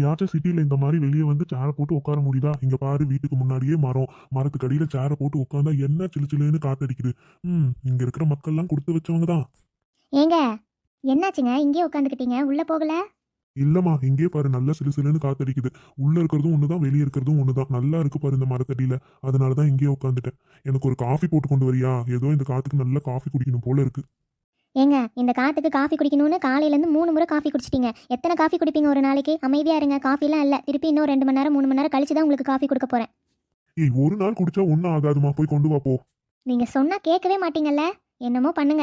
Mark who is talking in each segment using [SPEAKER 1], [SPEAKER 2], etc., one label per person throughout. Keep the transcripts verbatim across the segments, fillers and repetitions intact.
[SPEAKER 1] எங்கேயாச்சும் சிட்டில இந்த மாதிரி வெளியே வந்து சேரை போட்டு உட்கார முடியுதா? இங்க பாரு, வீட்டுக்கு முன்னாடியே மரம், மரத்துக்கு அடியில சேரை போட்டு உட்காந்தா என்ன சிலு சிலுன்னு காத்தடிக்குது. ம் இங்க இருக்கிற மக்கள்லாம் கொடுத்து வச்சவங்க தான்.
[SPEAKER 2] ஏங்க, என்னாச்சுங்க இங்கேயே உட்காந்துக்கிட்டீங்க, உள்ள போகல?
[SPEAKER 1] இல்லம்மா, இங்கே பாரு, நல்ல சிலு சிலுன்னு காத்தடிக்குது. உள்ள இருக்கிறதும் ஒண்ணுதான், வெளியே இருக்கிறதும் ஒண்ணுதான். நல்லா இருக்கு பாரு இந்த மரத்தடியில. அதனாலதான் இங்கேயே உட்காந்துட்டேன். எனக்கு ஒரு காஃபி போட்டு கொண்டு வரியா? ஏதோ இந்த காத்துக்கு நல்ல காஃபி குடிக்கணும் போல இருக்கு.
[SPEAKER 2] ஏங்க, இந்த காத்துக்கு காஃபி குடிக்கணும்னு காலையிலேருந்து மூணு முறை காஃபி குடிச்சிட்டீங்க. எத்தனை காஃபி குடிப்பீங்க ஒரு நாளைக்கு? அமைதியா இருங்க, காஃபிலாம் இல்லை. திருப்பி இன்னும் ரெண்டு மணி நேரம் மூணு மணி நேரம் கழிச்சு தான் உங்களுக்கு காஃபி கொடுக்க போறேன்.
[SPEAKER 1] ஏய், ஒரு நாள் குடிச்சா ஒன்னும் ஆகாதுமா, போய் கொண்டு வா போ.
[SPEAKER 2] நீங்க சொன்னா கேட்கவே மாட்டீங்கல்ல. என்னமோ பண்ணுங்க.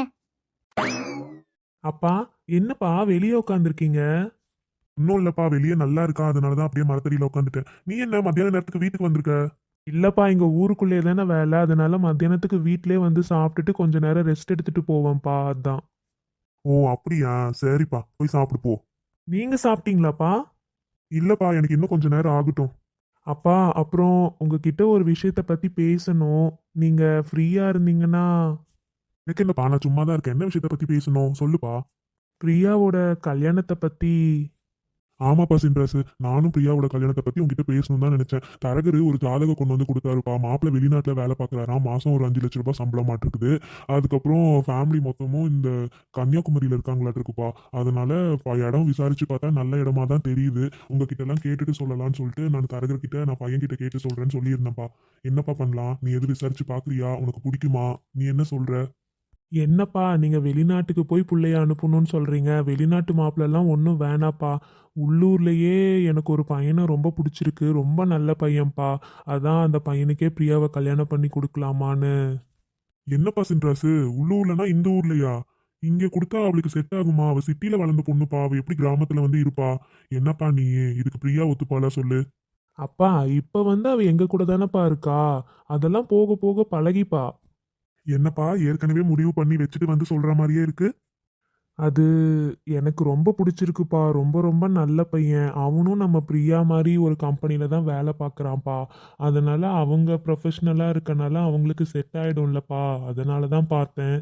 [SPEAKER 3] அப்பா, என்னப்பா வெளியே உட்காந்துருக்கீங்க?
[SPEAKER 1] இன்னும் இல்லப்பா, வெளியே நல்லா இருக்கா, அதனாலதான் அப்படியே மரத்தடியில உட்காந்துட்டேன். நீ என்ன மத்தியான நேரத்துக்கு வீட்டுக்கு வந்திருக்க?
[SPEAKER 3] இல்லப்பா, இங்க ஊருக்குள்ளே தானே வேலை, அதனால மத்தியானத்துக்கு வீட்டிலே வந்து சாப்பிட்டுட்டு கொஞ்ச நேரம் ரெஸ்ட் எடுத்துட்டு போவேன்ப்பா, அதான்.
[SPEAKER 1] ஓ அப்படியா, சரிப்பா, போய் சாப்பிடு போ.
[SPEAKER 3] நீங்க சாப்பிட்டீங்களாப்பா?
[SPEAKER 1] இல்லப்பா, எனக்கு இன்னும் கொஞ்ச நேரம் ஆகட்டும்.
[SPEAKER 3] அப்பா, அப்புறம் உங்ககிட்ட ஒரு விஷயத்த பத்தி பேசணும். நீங்க ஃப்ரீயா இருந்தீங்கன்னா.
[SPEAKER 1] எனக்கு என்னப்பா, நான் சும்மா தான் இருக்கேன். என்ன விஷயத்த பத்தி பேசணும், சொல்லுப்பா.
[SPEAKER 3] பிரியாவோட கல்யாணத்தை பத்தி.
[SPEAKER 1] ஆமாப்பா சின்ராசு, நானும் பிரியாவோட கல்யாணத்தை பத்தி உங்ககிட்ட பேசணும் தான் நினைச்சேன். தரகரு ஒரு ஜாதகம் கொண்டு வந்து கொடுத்தாருப்பா. மாப்பிள்ளை வெளிநாட்டுல வேலை பார்க்கறாராம். மாசம் ஒரு அஞ்சு லட்ச ரூபாய் சம்பளம் மாட்டிருக்குது. அதுக்கப்புறம் ஃபேமிலி மொத்தமும் இந்த கன்னியாகுமரியில இருக்காங்களாட்டு இருக்குப்பா. அதனால ப- இடம் விசாரிச்சு பார்த்தா நல்ல இடமா தான் தெரியுது. உங்ககிட்ட எல்லாம் கேட்டுட்டு சொல்லலாம்னு சொல்லிட்டு நான் தரகர்கிட்ட நான் பையன் கிட்ட கேட்டு சொல்றேன்னு சொல்லியிருந்தேன்ப்பா. என்னப்பா பண்ணலாம்? நீ எது விசாரிச்சு பாக்குறியா? உனக்கு பிடிக்குமா? நீ என்ன சொல்ற?
[SPEAKER 3] என்னப்பா, நீங்க வெளிநாட்டுக்கு போய் புள்ளைய அனுப்பணும்னு சொல்றீங்க? வெளிநாட்டு மாப்பிள்ளெல்லாம் ஒன்றும் வேணாப்பா. உள்ளூர்லயே எனக்கு ஒரு பையனை ரொம்ப பிடிச்சிருக்கு, ரொம்ப நல்ல பையன்ப்பா. அதான் அந்த பையனுக்கே பிரியாவை கல்யாணம் பண்ணி கொடுக்கலாமான்னு.
[SPEAKER 1] என்னப்பா சின்ராசு, உள்ளூர்லனா இந்த ஊர்லயா? இங்க கொடுத்தா அவளுக்கு செட் ஆகுமா? அவ சிட்டில வளர்ந்த பொண்ணுப்பா, அவ எப்படி கிராமத்துல வந்து இருப்பா? என்னப்பா நீ, இதுக்கு பிரியா ஒத்துப்பாளா சொல்லு?
[SPEAKER 3] அப்பா, இப்ப வந்து அவ எங்க கூட தானப்பா இருக்கா. அதெல்லாம் போக போக பழகிப்பா.
[SPEAKER 1] என்னப்பா, ஏற்கனவே முடிவு பண்ணி வச்சுட்டு வந்து சொல்ற மாதிரியே இருக்கு.
[SPEAKER 3] அது எனக்கு ரொம்ப பிடிச்சிருக்குப்பா. ரொம்ப ரொம்ப நல்ல பையன். அவனும் நம்ம பிரியா மாதிரி ஒரு கம்பெனில தான் வேலை பார்க்குறான்ப்பா. அதனால அவங்க ப்ரொஃபஷ்னலா இருக்கனால அவங்களுக்கு செட் ஆயிடும்லப்பா. அதனால தான் பார்த்தேன்.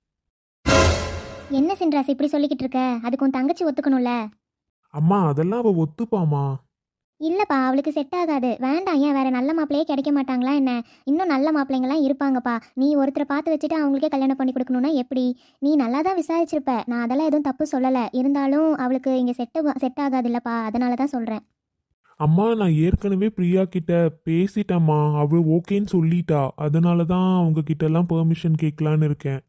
[SPEAKER 2] என்ன சின்ராஸ் இப்படி சொல்லிக்கிட்டு இருக்க? அதுக்கு உன் தங்கச்சி ஒத்துக்கணும்ல.
[SPEAKER 3] அம்மா, அதெல்லாம் அவ ஒத்துப்பாமா.
[SPEAKER 2] இல்லப்பா, அவளுக்கு செட் ஆகாது. வேண்டாம். ஏன், வேற நல்ல மாப்பிள்ளையே கிடைக்க மாட்டாங்களா என்ன? இன்னும் நல்ல மாப்பிள்ளைங்களாம் இருப்பாங்கப்பா. நீ ஒருத்தரை பார்த்து வச்சுட்டு அவங்களுக்கே கல்யாணம் பண்ணி கொடுக்கணும்னா எப்படி? நீ நல்லா தான் விசாரிச்சிருப்ப, நான் அதெல்லாம் எதுவும் தப்பு சொல்லலை. இருந்தாலும் அவளுக்கு இங்கே செட் செட் ஆகாது இல்லப்பா, அதனால தான் சொல்கிறேன்.
[SPEAKER 3] அம்மா, நான் ஏற்கனவே பிரியா கிட்ட பேசிட்டேம்மா. அவ ஓகேன்னு சொல்லிட்டா. அதனால தான் அவங்க கிட்ட எல்லாம் பெர்மிஷன் கேட்கலான்னு இருக்கேன்.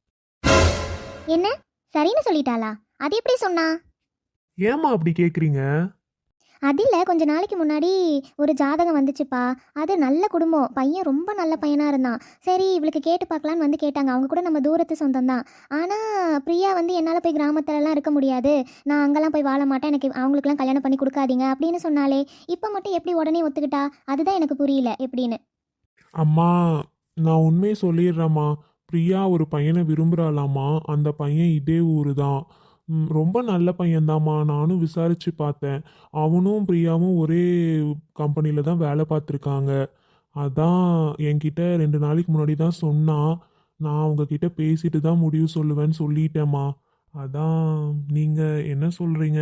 [SPEAKER 2] என்ன, சரின்னு சொல்லிட்டாளா? அது எப்படி சொன்னா?
[SPEAKER 3] ஏம்மா அப்படி கேட்குறீங்க?
[SPEAKER 2] அதில் கொஞ்ச நாளைக்கு முன்னாடி ஒரு ஜாதகம் வந்துச்சுப்பா. அது நல்ல குடும்பம், பையன் ரொம்ப நல்ல பையனாக இருந்தான். சரி, இவளுக்கு கேட்டு பார்க்கலான்னு வந்து கேட்டாங்க. அவங்க கூட நம்ம தூரத்து சொந்தம் தான். ஆனால் பிரியா வந்து என்னால் போய் கிராமத்துலலாம் இருக்க முடியாது, நான் அங்கெல்லாம் போய் வாழ மாட்டேன், எனக்கு அவங்களுக்குலாம் கல்யாணம் பண்ணி கொடுக்காதீங்க அப்படின்னு சொன்னாலே. இப்போ மட்டும் எப்படி உடனே ஒத்துக்கிட்டா? அதுதான் எனக்கு புரியல எப்படின்னு.
[SPEAKER 3] அம்மா, நான் உண்மையை சொல்லிடுறேம்மா. பிரியா ஒரு பையனை விரும்புகிறாளாம்மா. அந்த பையன் இதே ஊரு தான். ம், ரொம்ப நல்ல பையன்தாம்மா. நானும் விசாரித்து பார்த்தேன். அவனும் பிரியாவும் ஒரே கம்பெனியில் தான் வேலை பார்த்துருக்காங்க. அதான் என்கிட்ட ரெண்டு நாளைக்கு முன்னாடி தான் சொன்னான். நான் உங்ககிட்ட பேசிட்டு தான் முடிவு சொல்லுவேன்னு சொல்லிட்டேம்மா. அதான் நீங்கள் என்ன சொல்கிறீங்க?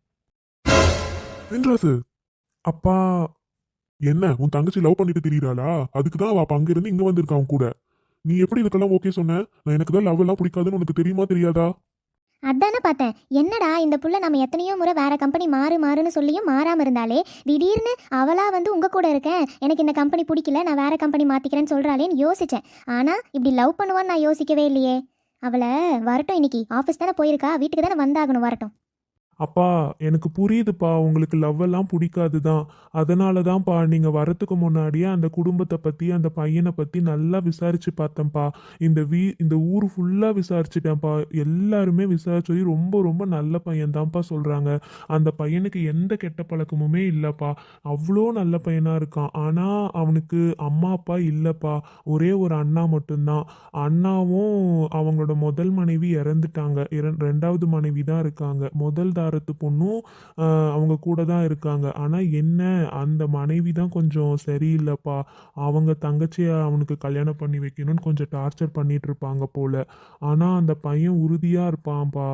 [SPEAKER 1] சின்ராசு,
[SPEAKER 3] அப்பா.
[SPEAKER 1] என்ன உன் தங்கச்சி லவ் பண்ணிட்டு திரியறாளா? அதுக்கு தான் அவ அப்ப அங்க இருந்து இங்க வந்திருக்கா அவன் கூட. நீ எப்படி இதுக்கெல்லாம் ஓகே சொன்ன? நான் எனக்கு தான் லவ் எல்லாம் பிடிக்காதுன்னு உனக்கு தெரியுமா தெரியாதா?
[SPEAKER 2] அதானே பார்த்தேன். என்னடா இந்த புள்ள நம்ம எத்தனையோ முறை வேற கம்பெனி மாறு மாறுன்னு சொல்லியும் மாறாமல் இருந்தாலே, திடீர்னு அவளா வந்து உங்கள் கூட இருக்கேன், எனக்கு இந்த கம்பெனி பிடிக்கல, நான் வேற கம்பெனி மாற்றிக்கிறேன்னு சொல்கிறாளேன்னு யோசித்தேன். ஆனால் இப்படி லவ் பண்ணுவான்னு நான் யோசிக்கவே இல்லையே. அவளை வரட்டும், இன்னைக்கு ஆஃபீஸ் தானே போயிருக்கா, வீட்டுக்கு தானே வந்தாகணும், வரட்டும்.
[SPEAKER 3] அப்பா, எனக்கு புரியுதுப்பா, உங்களுக்கு லவ் எல்லாம் பிடிக்காது தான். அதனால தான்ப்பா நீங்கள் வரத்துக்கு முன்னாடியே அந்த குடும்பத்தை பற்றி அந்த பையனை பற்றி நல்லா விசாரித்து பார்த்தேன்ப்பா. இந்த வீ இந்த ஊர் ஃபுல்லாக விசாரிச்சிட்டேன்ப்பா. எல்லாருமே விசாரிச்சு ரொம்ப ரொம்ப நல்ல பையன்தான்ப்பா சொல்கிறாங்க. அந்த பையனுக்கு எந்த கெட்ட பழக்கமுமே இல்லைப்பா. அவ்வளோ நல்ல பையனாக இருக்கான். ஆனால் அவனுக்கு அம்மா அப்பா இல்லைப்பா. ஒரே ஒரு அண்ணா மட்டும்தான். அண்ணாவும் அவங்களோட முதல் மனைவி இறந்துட்டாங்க. இரண் ரெண்டாவது மனைவி தான் இருக்காங்க. முதல் தாரத்து பொண்ணும் ஆஹ், அவங்க கூட தான் இருக்காங்க. ஆனால் என்ன, அந்த மனைவி தான் கொஞ்சம் சரியில்லைப்பா. அவங்க தங்கச்சியை அவனுக்கு கல்யாணம் பண்ணி வைக்கணும்னு கொஞ்சம் டார்ச்சர் பண்ணிட்டு இருப்பாங்க போல. ஆனால் அந்த பையன் உறுதியாக இருப்பான்ப்பா.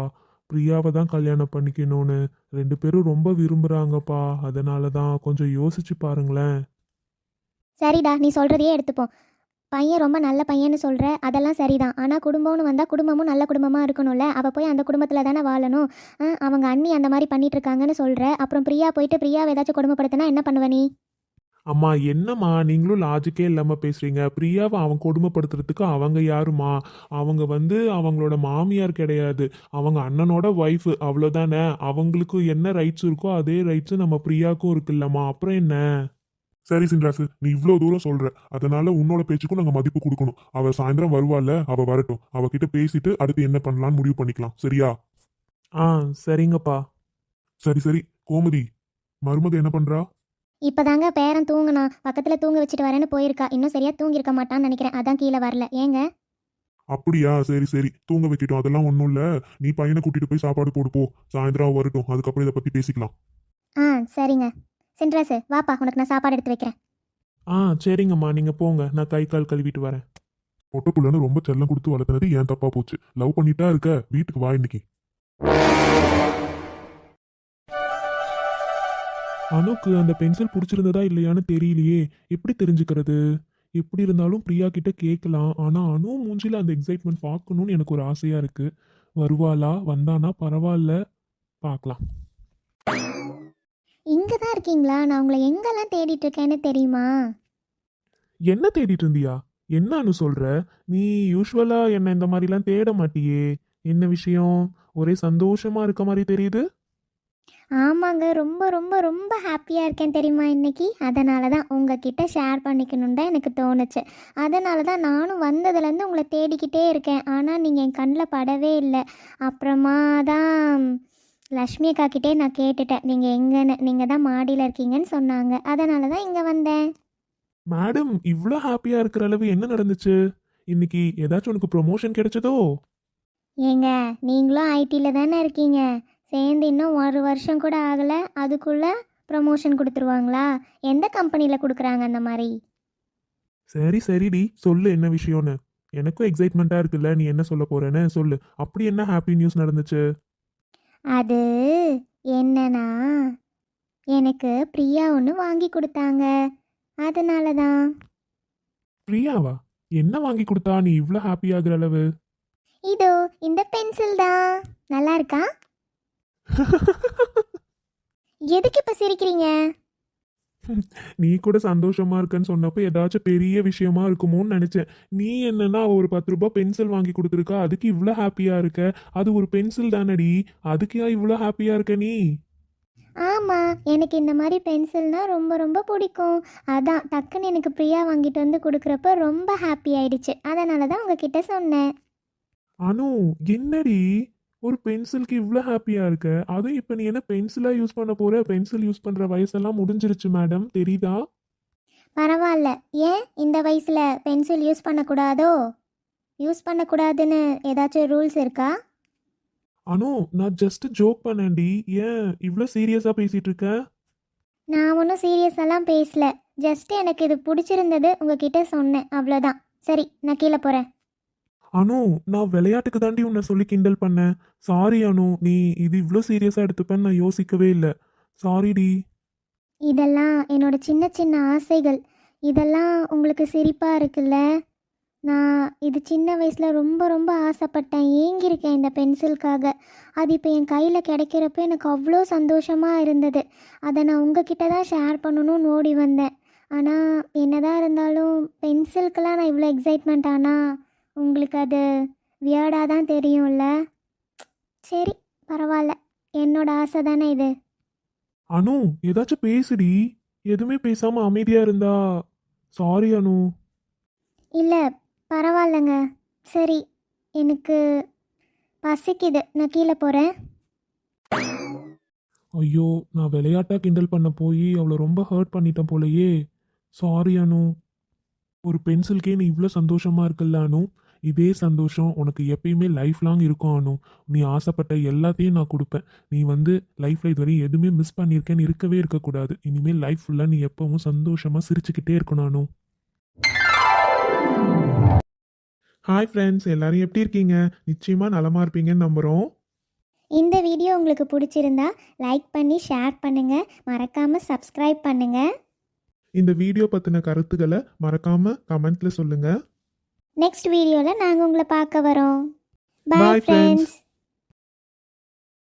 [SPEAKER 3] பிரியாவை தான் கல்யாணம் பண்ணிக்கணும்னு ரெண்டு பேரும் ரொம்ப விரும்புகிறாங்கப்பா. அதனால தான் கொஞ்சம் யோசிச்சு பாருங்களேன்.
[SPEAKER 2] சரிடா, நீ சொல்கிறதையே எடுத்துப்போம். பையன் ரொம்ப நல்ல பையன்னு சொல்கிற, அதெல்லாம் சரிதான். ஆனால் குடும்பம்னு வந்தால் குடும்பமும் நல்ல குடும்பமாக இருக்கணும்ல. அவள் போய் அந்த குடும்பத்தில் தானே வாழணும். ஆ, அவங்க அண்ணி அந்த மாதிரி பண்ணிட்டு இருக்காங்கன்னு சொல்கிற. அப்புறம் பிரியா போயிட்டு பிரியாவை ஏதாச்சும் கொடுமைப்படுத்தினா என்ன பண்ணுவ நீ?
[SPEAKER 3] அம்மா என்னம்மா நீங்களும் லாஜிக்கே இல்லாமல் பேசுகிறீங்க. பிரியாவை அவன் கொடுமைப்படுத்துறதுக்கு அவங்க யாருமா? அவங்க வந்து அவங்களோட மாமியார் கிடையாது, அவங்க அண்ணனோட ஒய்ஃபு, அவ்வளோதானே. அவங்களுக்கு என்ன ரைட்ஸ் இருக்கோ அதே ரைட்ஸு நம்ம பிரியாவுக்கும் இருக்குல்லம்மா. அப்புறம் என்ன?
[SPEAKER 1] சரி சின்ராசு, நீ இவ்வளோ தூரம் சொல்ற, அதனால உன்னோட பேச்சுக்கும் நாங்கள் மதிப்பு கொடுக்கணும். அவ சாயந்தரம் வருவாள்ல, அவ வரட்டும். அவகிட்ட பேசிட்டு அடுத்து என்ன பண்ணலாம்னு முடிவு பண்ணிக்கலாம், சரியா?
[SPEAKER 3] ஆ சரிங்கப்பா.
[SPEAKER 1] சரி சரி. கோமதி, மருமக என்ன பண்றா?
[SPEAKER 2] இப்போதாங்க பேரன் தூங்குனா, பக்கத்தில் தூங்க வச்சுட்டு வரேன்னு போயிருக்கா. இன்னும் சரியாக தூங்கியிருக்க மாட்டான்னு நினைக்கிறேன், அதான் கீழே வரல. ஏங்க?
[SPEAKER 1] அப்படியா? சரி சரி, தூங்க வைக்கிட்டோம், அதெல்லாம் ஒன்றும் இல்லை. நீ பையனை கூட்டிட்டு போய் சாப்பாடு போடு போ. சாயந்தரம் அவ வரட்டும், அதுக்கப்புறம் இதை பத்தி பேசிக்கலாம்.
[SPEAKER 2] ஆ சரிங்க. சின்ராசு வாப்பா, உனக்கு நான் சாப்பாடு எடுத்து வைக்கிறேன்.
[SPEAKER 3] ஆ சரிங்கம்மா, நீங்கள் போங்க, நான் கை கால் கழுவிட்டு வரேன்.
[SPEAKER 1] பொட்டப்புள்ளன்னு ரொம்ப செல்லம் கொடுத்து வளர்த்துனது ஏன் தப்பா போச்சு. லவ் பண்ணிட்டா இருக்க, வீட்டுக்கு வா இன்னைக்கு.
[SPEAKER 3] அனுக்கு அந்த பென்சில் பிடிச்சிருந்ததா இல்லையான்னு தெரியலையே. எப்படி தெரிஞ்சுக்கிறது? எப்படி இருந்தாலும் பிரியா கிட்ட கேட்கலாம். ஆனால் அனு மூஞ்சில அந்த எக்ஸைட்மெண்ட் பார்க்கணும்னு எனக்கு ஒரு ஆசையாக இருக்கு. வருவாளா? வந்தானா பரவாயில்ல, பார்க்கலாம்.
[SPEAKER 2] இங்கே தான் இருக்கீங்களா? நான் உங்களை எங்கெல்லாம் தேடிட்டு இருக்கேன்னு தெரியுமா?
[SPEAKER 3] என்ன தேடிட்டு இருந்தியா? என்ன அனு சொல்ற? நீ யூஸ்வலா என்ன இந்த மாதிரிலாம் தேட மாட்டியே. என்ன விஷயம்? ஒரே சந்தோஷமா இருக்க மாதிரி தெரியுது.
[SPEAKER 2] ஆமாங்க, ரொம்ப ரொம்ப ரொம்ப ஹாப்பியாக இருக்கேன் தெரியுமா இன்னைக்கு. அதனால தான் உங்ககிட்ட ஷேர் பண்ணிக்கணுன்னு தான் எனக்கு தோணுச்சு. அதனால தான் நானும் வந்ததுலேருந்து உங்களை தேடிக்கிட்டே இருக்கேன். ஆனால் நீங்கள் என் கண்ணில் படவே இல்லை. அப்புறமா தான் லக்ஷ்மி அக்கா கிட்டே நான் கேட்டுட்டேன், நீங்கள் எங்கன்னு. நீங்கள் தான் மாடியில் இருக்கீங்கன்னு சொன்னாங்க. அதனால தான் இங்கே வந்தேன்.
[SPEAKER 3] மேடம், இவ்வளோ ஹாப்பியா இருக்கிற அளவு என்ன நடந்துச்சு? இன்னைக்கு ஏதாச்சும் உனக்கு ப்ரொமோஷன் கிடைச்சதோ?
[SPEAKER 2] ஏங்க, நீங்களும் ஐடியில் தானே இருக்கீங்க. சேர்ந்து இன்னும் ஒரு வருஷம் கூட ஆகலை, அதுக்குள்ளே ப்ரமோஷன் கொடுத்துருவாங்களா? எந்த கம்பெனியில் கொடுக்குறாங்க அந்த மாதிரி?
[SPEAKER 3] சரி சரிடி, சொல்லு என்ன விஷயம்னு. எனக்கும் எக்ஸைட்மெண்ட்டா இருக்குல்ல, நீ என்ன சொல்ல போறேன்னு சொல்லு. அப்படி என்ன ஹாப்பி நியூஸ் நடந்துச்சு?
[SPEAKER 2] அது என்னன்னா, எனக்கு பிரியா ஒன்று வாங்கி கொடுத்தாங்க. அதனால தான்.
[SPEAKER 3] பிரியாவா? என்ன வாங்கி கொடுத்தா நீ இவ்வளோ ஹாப்பி ஆகுற அளவு?
[SPEAKER 2] இதோ இந்த பென்சில் தான். நல்லா இருக்கா? எதுக்கு இப்போ சிரிக்கிறீங்க?
[SPEAKER 3] நீ கூட சந்தோஷமா இருக்கன்னு சொன்னப்போ ஏதாச்சும் பெரிய விஷயமா இருக்குமோன்னு நினைச்சேன். நீ என்னன்னா ஒரு பத்து ரூபாய் பென்சில் வாங்கி கொடுத்துருக்கா, அதுக்கு இவ்வளோ ஹாப்பியா இருக்க? அது ஒரு பென்சில் தானடி, அதுக்கு ஏன் இவ்வளோ ஹாப்பியா இருக்க நீ?
[SPEAKER 2] ஆமாம், எனக்கு இந்த மாதிரி பென்சில்னால் ரொம்ப ரொம்ப பிடிக்கும். அதான் டக்குன்னு எனக்கு பிரியா வாங்கிட்டு வந்து கொடுக்குறப்ப ரொம்ப ஹாப்பி ஆயிடுச்சு. அதனால தான் உங்ககிட்ட சொன்னேன்.
[SPEAKER 3] அனு, என்னடி ஒரு பென்சிலுக்கு இவ்வளோ ஹாப்பியா இருக்க? அதுவும் இப்போ நீ என்ன பென்சிலா யூஸ் பண்ண போற? பென்சில் யூஸ் பண்ற வயசெல்லாம் முடிஞ்சிருச்சு மேடம், தெரியுதா?
[SPEAKER 2] பரவாயில்ல. ஏன் இந்த வயசில் பென்சில் யூஸ் பண்ணக்கூடாதோ? யூஸ் பண்ணக்கூடாதுன்னு ஏதாச்சும் ரூல்ஸ் இருக்கா?
[SPEAKER 3] அனு, நான் ஜஸ்ட் ஜோக் பண்ணேன்டி. ஏன் இவ்வளோ சீரியஸாக பேசிட்டு இருக்க?
[SPEAKER 2] நான் ஒன்றும் சீரியஸெல்லாம் பேசல. ஜஸ்ட் எனக்கு இது பிடிச்சிருந்தது, உங்ககிட்ட சொன்னேன், அவ்வளோதான். சரி, நான் கீழே போகிறேன்.
[SPEAKER 3] அனு, நான் விளையாட்டுக்கு தாண்டி உன்னை சொல்லி கிண்டல் பண்ணேன். சாரி அனு, நீ இது இவ்வளோ சீரியஸாக எடுத்துப்பேன்னு நான் யோசிக்கவே இல்லை. சாரிடி.
[SPEAKER 2] இதெல்லாம் என்னோட சின்ன சின்ன ஆசைகள். இதெல்லாம் உங்களுக்கு சிரிப்பாக இருக்குல்ல? நான் இது சின்ன வயசில் ரொம்ப ரொம்ப ஆசைப்பட்டேன், ஏங்கியிருக்கேன் இந்த பென்சிலுக்காக. அது இப்போ என் கையில் கிடைக்கிறப்ப எனக்கு அவ்வளோ சந்தோஷமாக இருந்தது. அதை நான் உங்ககிட்ட தான் ஷேர் பண்ணணும்னு ஓடி வந்தேன். ஆனால் என்னதான் இருந்தாலும் பென்சிலுக்கெல்லாம் நான் இவ்வளோ எக்ஸைட்மெண்ட் ஆனால் உங்களுக்கு அது வியர்டாக தான் தெரியும்ல. சரி, பரவாயில்ல, என்னோட ஆசை தானே இது.
[SPEAKER 3] அனு, ஏதாச்சும் பேசுடி. எதுவுமே பேசாமல் அமைதியாக இருந்தா. சாரி அனு.
[SPEAKER 2] இல்லை, பரவாயில்லைங்க. சரி, எனக்கு பசிக்குது, நான் கீழே போகிறேன்.
[SPEAKER 3] ஐயோ, நான் விளையாட்டா கிண்டல் பண்ண போய் அவளை ரொம்ப ஹர்ட் பண்ணிட்டேன் போலயே. சாரி அனு. ஒரு பென்சில்கே நீ இவ்வளோ சந்தோஷமா இருக்குல்ல அனு? இதே சந்தோஷம் உனக்கு எப்பயுமே லைஃப் லாங் இருக்கும் அனு. நீ ஆசைப்பட்ட எல்லாத்தையும் நான் கொடுப்பேன். நீ வந்து லைஃப்பில் இதுவரையும் எதுவுமே மிஸ் பண்ணியிருக்கேன்னு இருக்கவே இருக்கக்கூடாது. இனிமேல் லைஃப் ஃபுல்லாக நீ எப்பவும் சந்தோஷமாக சிரிச்சுக்கிட்டே இருக்கணும் அனு. ஹாய் ஃப்ரெண்ட்ஸ், எல்லாரும் எப்படி இருக்கீங்க? நிச்சயமாக நலமாக இருப்பீங்கன்னு நம்புகிறோம்.
[SPEAKER 2] இந்த வீடியோ உங்களுக்கு பிடிச்சிருந்தா லைக் பண்ணி ஷேர் பண்ணுங்கள், மறக்காமல் சப்ஸ்கிரைப் பண்ணுங்கள்.
[SPEAKER 3] இந்த வீடியோ பற்றின கருத்துக்களை மறக்காமல் கமெண்ட்டில் சொல்லுங்கள்.
[SPEAKER 2] நெக்ஸ்ட் வீடியோவில் நாங்கள் உங்களை பார்க்க வரோம்.
[SPEAKER 3] Bye,
[SPEAKER 2] bye
[SPEAKER 3] friends.
[SPEAKER 2] ஃப்ரெண்ட்ஸ்.